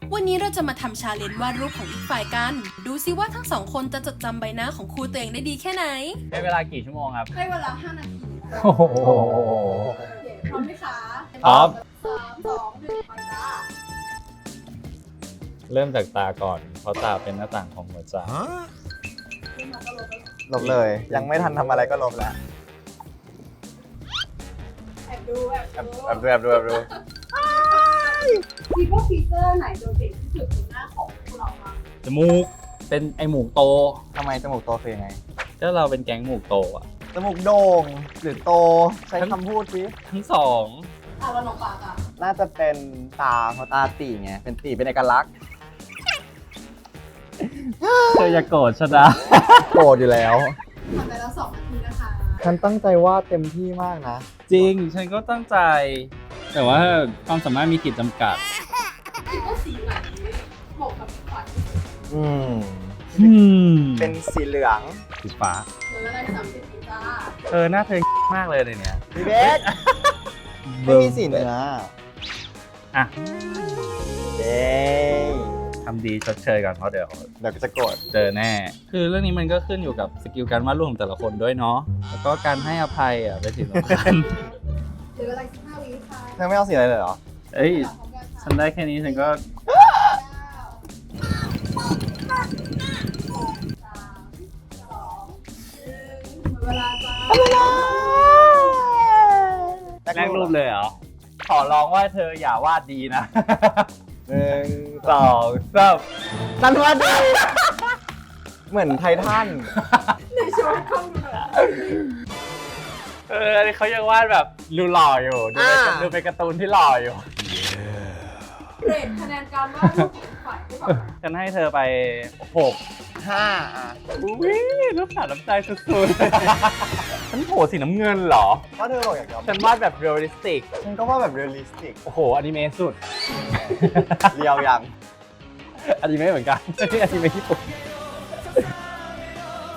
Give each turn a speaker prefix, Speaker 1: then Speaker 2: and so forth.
Speaker 1: วันนี้เราจะมาทำชาเลนจ์วาดรูปของอีกฝ่ายกัน ดูซิว่าทั้งสองคนจะจดจำใบหน้าของครูตัวเองได้ดีแค่ไหน
Speaker 2: ใช้เวลากี่ชั่วโมงครับ
Speaker 1: ให้เวลา5 นาที
Speaker 2: โอ้โห
Speaker 1: พร้อมไหมคะ
Speaker 2: พร้อม
Speaker 1: 3 2 1ไปจ้า
Speaker 2: เริ่มจากตาก่อน เพราะตาเป็นหน้าต่างของหัวใจ
Speaker 3: ลบเลย ยังไม่ทันทำอะไรก็ลบแล้ว
Speaker 1: แอบดู
Speaker 3: แอบดูแอบดูแอบดู
Speaker 1: คิดว่าฟีเจอร์ไหนโดดเด่นที่สุดบนหน้าของพวกเราบ้าง
Speaker 2: จมูก เป็นไอหมูกโต
Speaker 3: ทำไมจมูกโตคือยังไง
Speaker 2: ก็เราเป็นแก๊งหมูกโตอะ
Speaker 3: จมูกโด่งหรือโต ใช้คำพูดสิ
Speaker 2: ทั้งสอง
Speaker 1: แล้วน้องปากอ่ะ
Speaker 3: น่าจะเป็นตาเพราะตาตีไง เป็นตีเป็นเอกลักษณ์
Speaker 2: เธออย่าโกรธชนะ
Speaker 3: โกรธอยู่แล้ว
Speaker 1: ทำไปแล้ว2 นาทีนะคะ
Speaker 3: ฉันตั้งใจวาดเต็มที่มากนะ
Speaker 2: จริง ฉันก็ตั้งใจ แต่ว่าความสามารถมีขีดจำกัด
Speaker 1: คิดว่าสีไหนเหมาะกับขวัญ
Speaker 3: เป็นสีเหลือง
Speaker 2: สีฟ้า
Speaker 1: หรืออะไร30ปีจ้า
Speaker 2: หน้าเธอมากเลยในเนี้ย
Speaker 3: พี่เบสไม่มีสีเนื้อ
Speaker 2: อ่ะ
Speaker 3: เย้
Speaker 2: ทำดีชดเชยก่อนเพราะเดี๋ยว
Speaker 3: เดี๋ยวจะโกรธ
Speaker 2: เจอแน่ คือเรื่องนี้มันก็ขึ้นอยู่กับสกิลการวาดรูปของแต่ละคนด้วยเนาะ แล้วก็การให้อภัยอ่ะเป็นสิ่งสำคัญ
Speaker 1: หรืออะไร15 วิค่ะ
Speaker 3: เธอไม่เอาสีอะไรเลยเหรอ
Speaker 2: เอ้ย
Speaker 1: พร้อมกันค่ะ
Speaker 2: ฉันได้แค่นี้ฉันก็
Speaker 1: เวลาจ้า
Speaker 2: แรกรูปเลยเหรอ ขอร้องว่าเธออย่าวาดดีนะ
Speaker 3: 1
Speaker 2: 2 3
Speaker 3: ฉันวาดดี เหมือนไททัน
Speaker 1: ในโชว์กล้องดูหน่อย
Speaker 2: อันนี้เขายังวาดแบบดูหล่ออยู่ ดูเป็นการ์ตูนที่หล่ออยู่
Speaker 1: เรทคะแนนการวาดรูปของฝ่ายได้แบบ
Speaker 2: ฉันให้เธอไป 6
Speaker 3: 5 อ่ะ
Speaker 2: อุ้ยรูปขาดน้ำใจสุดๆ ฉันโผล่สีน้ำเงินเหรอ
Speaker 3: เพราะเธอบอกอยากจะ
Speaker 2: ฉันวาดแบบเรียลลิสติก
Speaker 3: ฉันก็ว่าแบบเรียลลิสติก
Speaker 2: โอ้โหอนิเมะสุด
Speaker 3: เรียวยัง
Speaker 2: อนิเมะเหมือนกัน อนิเมะญี่ปุ่น